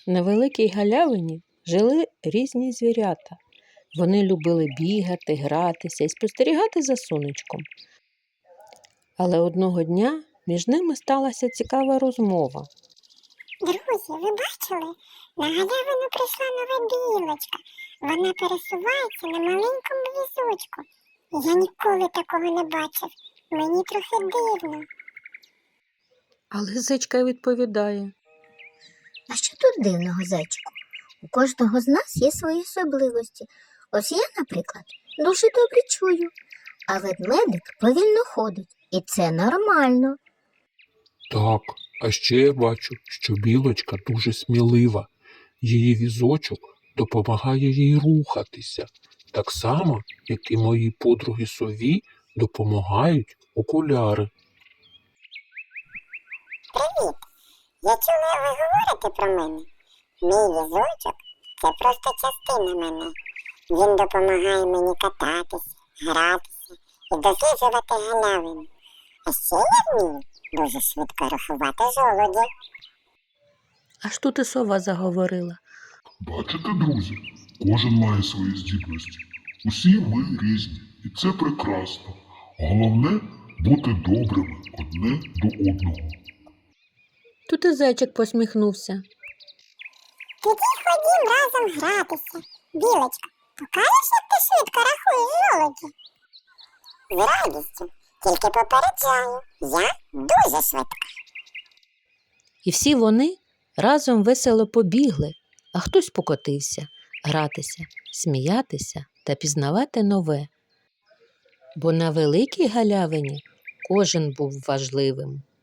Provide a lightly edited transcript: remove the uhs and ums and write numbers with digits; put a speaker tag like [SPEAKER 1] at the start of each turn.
[SPEAKER 1] На великій галявині жили різні звірята. Вони любили бігати, гратися і спостерігати за сонечком. Але одного дня між ними сталася цікава розмова.
[SPEAKER 2] Друзі, ви бачили? На галявину прийшла нова білочка. Вона пересувається на маленькому візочку. Я ніколи такого не бачив. Мені трохи дивно.
[SPEAKER 1] Але зайчка відповідає.
[SPEAKER 3] А що тут дивного, зайчику? У кожного з нас є свої особливості. Ось я, наприклад, дуже добре чую, а ведмедик повільно ходить, і це нормально.
[SPEAKER 4] Так, а ще я бачу, що білочка дуже смілива. Її візочок допомагає їй рухатися, так само, як і мої подруги сові допомагають окуляри.
[SPEAKER 2] Привіт! Я чула, ви говорите про мене. Мій візочок – це просто частина мене. Він допомагає мені кататися, гратися і досліджувати галявину. А ще я вмію дуже швидко рахувати жолудів.
[SPEAKER 1] Аж тут і сова заговорила.
[SPEAKER 5] Бачите, друзі, кожен має свої здібності. Усі ми різні, і це прекрасно. Головне – бути добрими одне до одного.
[SPEAKER 1] Тут і зайчик посміхнувся.
[SPEAKER 2] Тоді ходім разом гратися. Білочка, покажеш, як ти швидко рахуєш жолуді? З радістю, тільки попереджаю, я дуже швидка.
[SPEAKER 1] І всі вони разом весело побігли, а хтось покотився, гратися, сміятися та пізнавати нове. Бо на великій галявині кожен був важливим.